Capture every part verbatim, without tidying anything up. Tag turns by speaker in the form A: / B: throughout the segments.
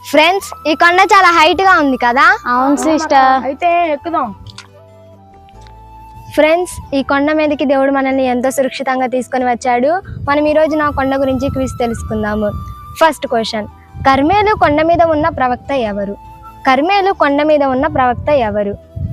A: Friends, ఈ కొండ చాలా హైట్ గా ఉంది కదా?
B: అవును సిస్టర్.
C: అయితే ఎక్కుదాం.
A: ఫ్రెండ్స్, ఈ కొండ మీదకి దేవుడు మనల్ని ఎంతో సురక్షితంగా తీసుకొని వచ్చాడు. మనం ఈ రోజు నా కొండ గురించి క్విజ్ తెలుసుకుందాము. ఫస్ట్ క్వశ్చన్, కర్మేలు కొండ మీద ఉన్న ప్రవక్త ఎవరు? కర్మేలు కొండ మీద ఉన్న ప్రవక్త ఎవరు?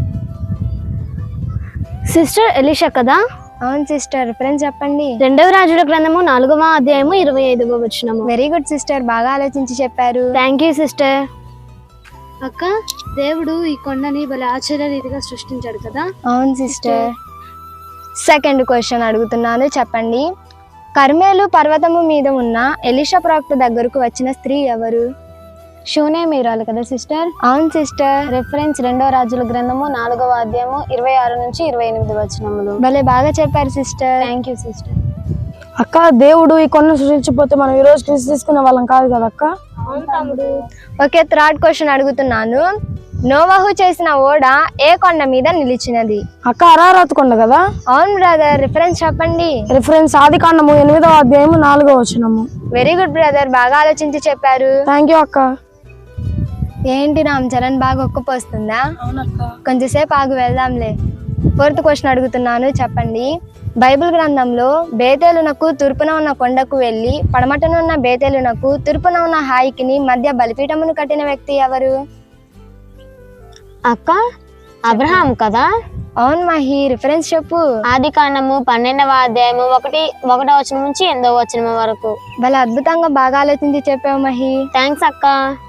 B: సిస్టర్ ఎలీషా కదా?
A: అవును సిస్టర్. ఫ్రెండ్స్ చెప్పండి.
B: రెండవ రాజుల గ్రంథము నాలుగవ అధ్యాయము ఇరవై ఐదవ వచనము.
A: వెరీ గుడ్ సిస్టర్, బాగా ఆలోచించి చెప్పారు.
B: Thank you sister. అక్క, దేవుడు ఈ కొండని భలే ఆశ్చర్య రీతిగా సృష్టించాడు కదా?
A: అవును సిస్టర్. సెకండ్ క్వశ్చన్ అడుగుతున్నాను, చెప్పండి. కర్మేలు పర్వతము మీద ఉన్న ఎలీషా ప్రవక్త దగ్గరకు వచ్చిన స్త్రీ ఎవరు?
B: షూనే మీరాలు కదా సిస్టర్?
A: అవును సిస్టర్.
B: రెఫరెన్స్ రెండవ రాజుల గ్రంథము నాలుగవ అధ్యాయము ఇరవై ఆరు నుంచి ఇరవై ఎనిమిది వచనములు.
A: భలే బాగా చెప్పారు సిస్టర్.
B: Thank you sister.
C: అక్క, దేవుడు ఈ కొండను సృష్టించకపోతే మనం ఈ రోజు క్రిస్ తీసుకునే వాళ్ళం కాదు కదా అక్క?
A: ఓకే, థర్డ్ క్వశ్చన్ అడుగుతున్నాను. నోవహు చేసిన ఓడ ఏ కొండ మీద నిలిచినది?
C: అక్క, అరారాత్ కొండ కదా?
A: అవును బ్రదర్. రిఫరెన్స్ చెప్పండి.
C: రిఫరెన్స్ ఆది కాండము ఎనిమిదవ అధ్యాయము నాలుగవ వచనము.
A: వెరీ గుడ్ బ్రదర్, బాగా ఆలోచించి చెప్పారు.
C: థ్యాంక్ యూ అక్క.
A: ఏంటి రామ్ చరణ్, బాగా ఒక్కపోస్తుందా? కొంచెంసేపు ఆగు, వెళ్దాంలే. ఫోర్త్ క్వశ్చన్ అడుగుతున్నాను, చెప్పండి. బైబిల్ గ్రంథంలో బేతేలునకు తూర్పున ఉన్న కొండకు వెళ్ళి పడమటన ఉన్న బేతేలునకు తూర్పున ఉన్న హాయికిని మధ్య బలిపీఠమును కట్టిన వ్యక్తి ఎవరు?
B: అక్క, అబ్రహాం కదా?
A: అవును మహి. రిఫరెన్స్ చెప్పు.
B: ఆది కాండము పన్నెండవ అధ్యాయము ఒకటి ఒకటో వచనం నుంచి ఎనిమిదవ వచనం వరకు.
A: భలే అద్భుతంగా బాగా ఆలోచించి చెప్పావు మహి.
B: థ్యాంక్స్ అక్క.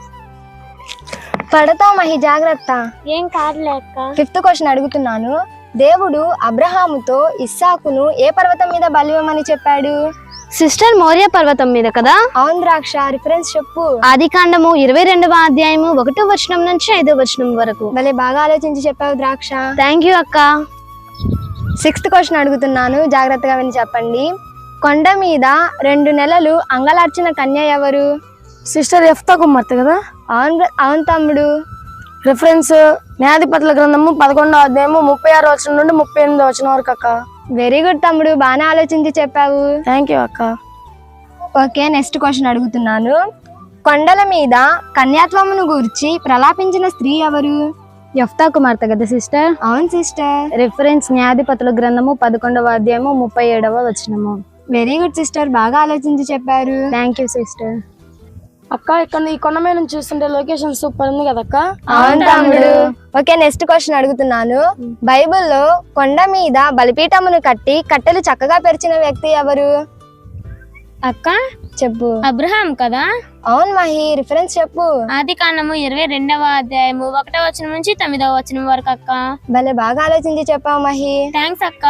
A: పడతావు మహి, జాగ్రత్త.
B: ఏం కాదులే అక్క.
A: ఫిఫ్త్ క్వశ్చన్ అడుగుతున్నాను. దేవుడు అబ్రహాముతో ఇస్సాకును ఏ పర్వతం మీద బలివ్వమని చెప్పాడు?
B: సిస్టర్, మోరియా పర్వతం మీద కదా?
A: అవును ద్రాక్ష. రిఫరెన్స్ చెప్పు.
B: ఆది కాండము ఇరవై రెండవ అధ్యాయము ఒకటో వచనం నుంచి ఐదో వచనం వరకు.
A: భలే బాగా ఆలోచించి చెప్పావు ద్రాక్ష.
B: థ్యాంక్ యూ అక్క.
A: సిక్స్త్ క్వశ్చన్ అడుగుతున్నాను, జాగ్రత్తగా విని చెప్పండి. కొండ మీద రెండు నెలలు అంగలార్చిన కన్య ఎవరు?
C: సిస్టర్ ఎఫ్తా కుమార్తె కదా?
A: అవును అవును తమ్ముడు.
C: రిఫరెన్స్ న్యాయాధిపతుల గ్రంథము పదకొండవ అధ్యాయము ముప్పై ఆరు వచనం నుండి ముప్పై ఎనిమిది వచనం వరకు అక్క.
A: వెరీ గుడ్ తమ్ముడు, బాగానే ఆలోచించి చెప్పావు.
C: థ్యాంక్ యూ అక్క.
A: ఓకే, నెక్స్ట్ క్వశ్చన్ అడుగుతున్నాను. కొండల మీద కన్యాత్వమును గూర్చి ప్రలాపించిన స్త్రీ ఎవరు?
B: యెఫ్తా కుమార్తె కదా సిస్టర్?
A: అవును సిస్టర్.
B: రిఫరెన్స్ న్యాయాధిపతుల గ్రంథము పదకొండవ అధ్యాయము ముప్పై ఏడవ వచనము.
A: వెరీ గుడ్ సిస్టర్, బాగా ఆలోచించి చెప్పారు.
B: Thank you sister.
C: అక్క, ఇక్కడ ఈ కొండ మీద నుంచి చూస్తుంటే లొకేషన్ సూపర్ ఉంది కదా అక్క?
A: అవును తమ్ముడు. ఓకే, నెక్స్ట్ క్వశ్చన్ అడుగుతున్నాను. బైబిల్లో కొండ మీద బలిపీఠమును కట్టి కట్టెలు చక్కగా పెరిచిన వ్యక్తి ఎవరు?
B: అక్క,
A: చెప్పు.
B: అబ్రహాం కదా?
A: అవును మహి. రిఫరెన్స్ చెప్పు.
B: ఆది కాండము ఇరవై రెండవ అధ్యాయము ఒకటో వచనం నుంచి తొమ్మిదవ వచనం వరకు అక్క.
A: భలే బాగా ఆలోచించి చెప్పావు మహి.
B: థ్యాంక్స్ అక్క.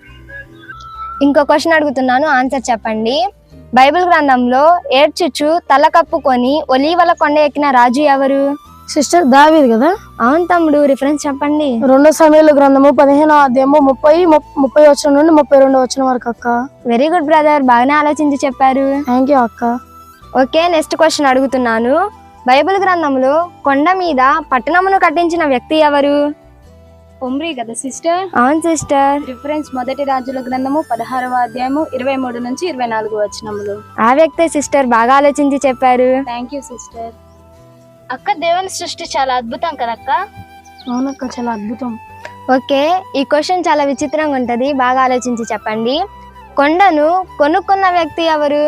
A: ఇంకో క్వశ్చన్ అడుగుతున్నాను, ఆన్సర్ చెప్పండి. బైబిల్ గ్రంథంలో ఏడ్చుచు తల కప్పుకొని ఒలీవల కొండ ఎక్కిన రాజు ఎవరు?
C: సిస్టర్ దావీదు కదా?
A: అవును తమ్ముడు. రిఫరెన్స్ చెప్పండి.
C: రెండో సమయాల గ్రంథము పదిహేనవ అధ్యాయము ముప్పై ముప్పై వచనం నుండి ముప్పై రెండో వచనం వరకు అక్క.
A: వెరీ గుడ్ బ్రదర్, బాగానే ఆలోచించి చెప్పారు.
C: థ్యాంక్ యూ అక్క.
A: ఓకే, నెక్స్ట్ క్వశ్చన్ అడుగుతున్నాను. బైబిల్ గ్రంథంలో కొండ మీద పట్టణమును కట్టించిన వ్యక్తి ఎవరు?
B: ఒమ్రీ కదా సిస్టర్?
A: అవును సిస్టర్.
B: రిఫరెన్స్ మొదటి రాజుల గ్రంథము పదహారవ అధ్యాయము ఇరవై మూడు నుంచి ఇరవై నాలుగు వచనములు.
A: ఆ వ్యక్తి సిస్టర్, బాగా ఆలోచించి చెప్పారు.
B: Thank you sister. అక్క, దేవుని సృష్టి చాలా అద్భుతం కదక్క?
C: అవునక్క, చాలా అద్భుతం.
A: ఓకే, ఈ క్వశ్చన్ చాలా విచిత్రంగా ఉంటది, బాగా ఆలోచించి చెప్పండి. కొండను కొనుక్కున్న వ్యక్తి ఎవరు?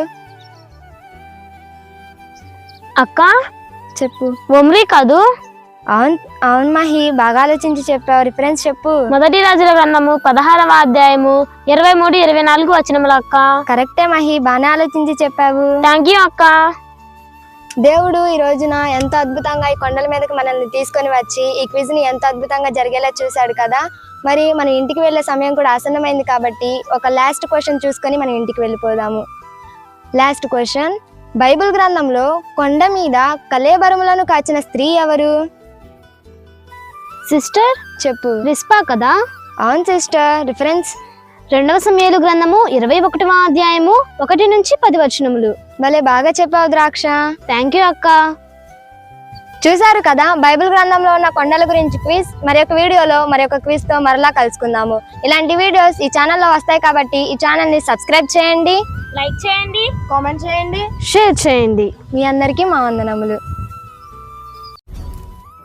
B: అక్క,
A: చెప్పు.
B: ఒమ్రీ కాదు?
A: అవును అవును మహి, బాగా ఆలోచించి చెప్పావు. రిఫరెన్స్ చెప్పు.
B: మొదటి రాజుల గ్రంథము పదహారవ అధ్యాయము ఇరవై మూడు ఇరవై నాలుగు వచనములు అక్క.
A: కరెక్టే మహి, బాగానే ఆలోచించి చెప్పావు.
B: థ్యాంక్ యూ అక్క.
A: దేవుడు ఈ రోజున ఎంతో అద్భుతంగా ఈ కొండల మీదకి మనల్ని తీసుకొని వచ్చి ఈ క్విజ్ ని ఎంతో అద్భుతంగా జరిగేలా చూశాడు కదా. మరి మన ఇంటికి వెళ్లే సమయం కూడా ఆసన్నమైంది కాబట్టి ఒక లాస్ట్ క్వశ్చన్ చూసుకొని మనం ఇంటికి వెళ్ళిపోదాము. Last question. బైబిల్ గ్రంథంలో కొండ మీద కలేబరములను కాచిన స్త్రీ ఎవరు?
B: సిస్టర్,
A: చెప్పు.
B: రిస్పా కదా?
A: అవును సిస్టర్. రిఫరెన్స్
B: రెండవ సమయాలు గ్రంథము ఇరవై ఒకటవ అధ్యాయము ఒకటి నుంచి పది వచనములు.
A: భలే బాగా చెప్పావు ద్రాక్ష.
B: థ్యాంక్ యూ అక్క.
A: చూసారు కదా బైబిల్ గ్రంథంలో ఉన్న కొండల గురించి క్విజ్. మరి ఒక వీడియోలో మరి ఒక క్విజ్ తో మరలా కలుసుకుందాము. ఇలాంటి వీడియోస్ ఈ ఛానల్లో వస్తాయి కాబట్టి ఈ ఛానల్ ని సబ్స్క్రైబ్ చేయండి,
B: లైక్ చేయండి,
A: కామెంట్ చేయండి,
B: షేర్ చేయండి.
A: మీ అందరికీ మా వందనములు.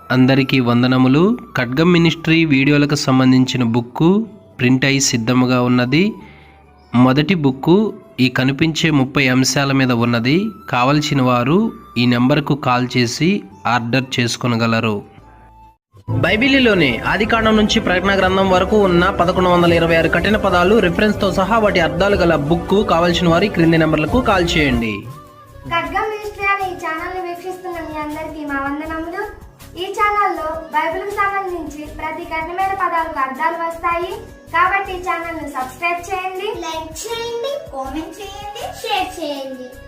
D: అందరికీ వందనములు. ఖడ్గం మినిస్ట్రీ వీడియోలకు సంబంధించిన బుక్కు ప్రింట్ అయి సిద్ధముగా ఉన్నది. మొదటి బుక్కు ఈ కనిపించే ముప్పై అంశాల మీద ఉన్నది. కావలసిన వారు ఈ నెంబర్కు కాల్ చేసి ఆర్డర్ చేసుకొనగలరు. బైబిలీలోని ఆదికాండం నుంచి ప్రకటన గ్రంథం వరకు ఉన్న పదకొండు వందల ఇరవై ఆరు కఠిన పదాలు రిఫరెన్స్తో సహా వాటి అర్థాలు గల బుక్కు కావలసిన వారు క్రింది నెంబర్లకు కాల్ చేయండి.
A: ఖడ్గం మినిస్ట్రీ అనే ఈ ఛానల్ని వీక్షిస్తున్న మీ అందరికీ మా వందనములు. ఈ ఛానల్లో బైబిల్కి సంబంధించి ప్రతి కఠినమైన పదాలకు అర్థాలు వస్తాయి. కాబట్టి ఈ ఛానల్ని సబ్స్క్రైబ్ చేయండి,
E: లైక్ చేయండి, కామెంట్ చేయండి, షేర్ చేయండి.